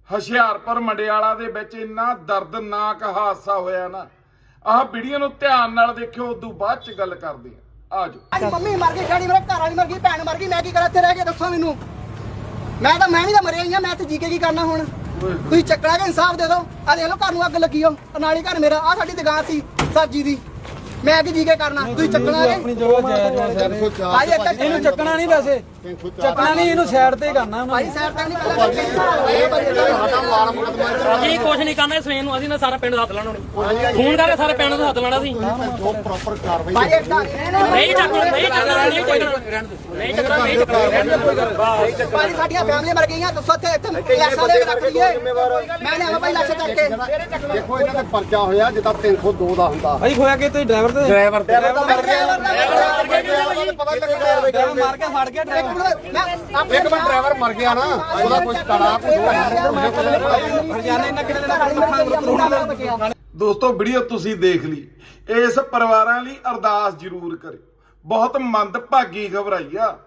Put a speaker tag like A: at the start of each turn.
A: ਹੁਸ਼ਿਆਰਪੁਰ ਮੰਡਿਆਲਾ ਦੇ ਵਿੱਚ ਇੰਨਾ ਦਰਦਨਾਕ ਹਾਦਸਾ ਹੋਇਆ ਨਾ। ਆਹ ਵੀਡੀਓ ਨੂੰ ਧਿਆਨ ਨਾਲ ਦੇਖਿਓ, ਉਦੋਂ ਬਾਅਦ ਚ ਗੱਲ ਕਰਦੇ ਆ। ਆ ਜਾਓ।
B: ਮੰਮੀ ਮਰ ਗਈ, ਡੈਡੀ ਮੇਰਾ ਘਰ ਵਾਲੀ ਮਰ ਗਈ, ਭੈਣ ਮਰ ਗਈ, ਮੈਂ ਕੀ ਕਰਾਂ ਇੱਥੇ ਰਹਿ ਕੇ? ਦੱਸੋ ਮੈਨੂੰ। ਮੈਂ ਵੀ ਤਾਂ ਮਰਿਆ ਹੀ ਆ, ਮੈਂ ਇੱਥੇ ਜੀ ਕੇ ਕੀ ਕਰਨਾ ਹੁਣ? ਤੁਸੀਂ ਚੱਕਣਾ ਕਿ ਇਨਸਾਫ ਦੇ ਦਿਓ। ਆ ਦੇਖ ਲਓ ਘਰ ਨੂੰ ਅੱਗ ਲੱਗੀ ਹੋ, ਨਾਲੀ ਘਰ ਮੇਰਾ। ਆ ਸਾਡੀ ਦੁਕਾਨ ਸੀ ਸਬਜ਼ੀ ਦੀ, ਮੈਂ ਕੀ ਜੀ ਕੇ ਕਰਨਾ? ਤੁਸੀਂ ਚੱਕਣਾ
C: ਆਪਣੀ ਜਗ੍ਹਾ ਜਾਇਜ਼ ਇਹਨੂੰ ਚੱਕਣਾ ਨਹੀਂ, ਵੈਸੇ ਚੱਕਣਾ ਨਹੀਂ, ਇਹਨੂੰ ਸਾਈਡ ਤੇ ਕਰਨਾ
B: ਭਾਈ ਸਾਈਡ ਤੇ ਨਹੀਂ
D: ਜੀ ਕੁਝ ਨਹੀਂ ਕਰਨਾ ਸਵੇਰ ਨੂੰ। ਅਸੀਂ ਨਾ ਸਾਰਾ ਪਿੰਡ ਹੱਥ ਲਾਣਾ ਫੋਨ ਕਰਕੇ ਸਾਰੇ ਪਿੰਡ ਨੂੰ ਹੱਥ ਲਾਣਾ ਸੀ।
E: ਜੋ ਪ੍ਰੋਪਰ ਕਾਰਵਾਈ
B: ਭਾਈ
D: ਨਹੀਂ ਚੱਕਣਾ, ਨਹੀਂ ਚੱਕਣਾ, ਨਹੀਂ ਚੱਕਣਾ, ਨਹੀਂ ਚੱਕਣਾ, ਨਹੀਂ ਚੱਕਣਾ।
B: ਭਾਈ ਸਾਡੀਆਂ ਫੈਮਲੀਆਂ ਮਰ ਗਈਆਂ। ਦੱਸੋ ਇੱਥੇ ਲਾਸ਼ਾਂ ਦੇ ਰੱਖ ਲਈਏ। ਮੈਂ ਲਿਆਵਾਂ ਭਾਈ ਲਾਸ਼ਾਂ ਚੱਕ ਕੇ।
E: ਦੇਖੋ ਇਹਨਾਂ ਦੇ ਪਰਚਾ ਹੋਇਆ ਜਿੱਦਾਂ 302 ਦਾ ਹੁੰਦਾ।
C: ਭਾਈ ਹੋਇਆ ਕਿ ਤੁਸੀਂ ਡਰਾਈਵਰ
E: ਮਰ ਗਿਆ
C: ਡਰਾਈਵਰ ਮਾਰ ਕੇ ਫੜ ਗਿਆ ਡਰਾਈਵਰ।
E: ਇੱਕ ਮਿੰਟ, ਡਰਾਈਵਰ ਮਰ ਗਿਆ ਨਾ, ਉਹਦਾ ਕੋਈ ਕੜਾ
C: ਹਰਿਆਣੇ ਨਗਰ ਦੇ
A: ਦੋਸਤੋ ਵੀਡੀਓ ਤੁਸੀਂ ਦੇਖ ਲਈ। ਇਸ ਪਰਿਵਾਰਾਂ ਲਈ ਅਰਦਾਸ ਜ਼ਰੂਰ ਕਰੇ। ਬਹੁਤ ਮੰਦਭਾਗੀ ਖਬਰ ਆਈ ਆ।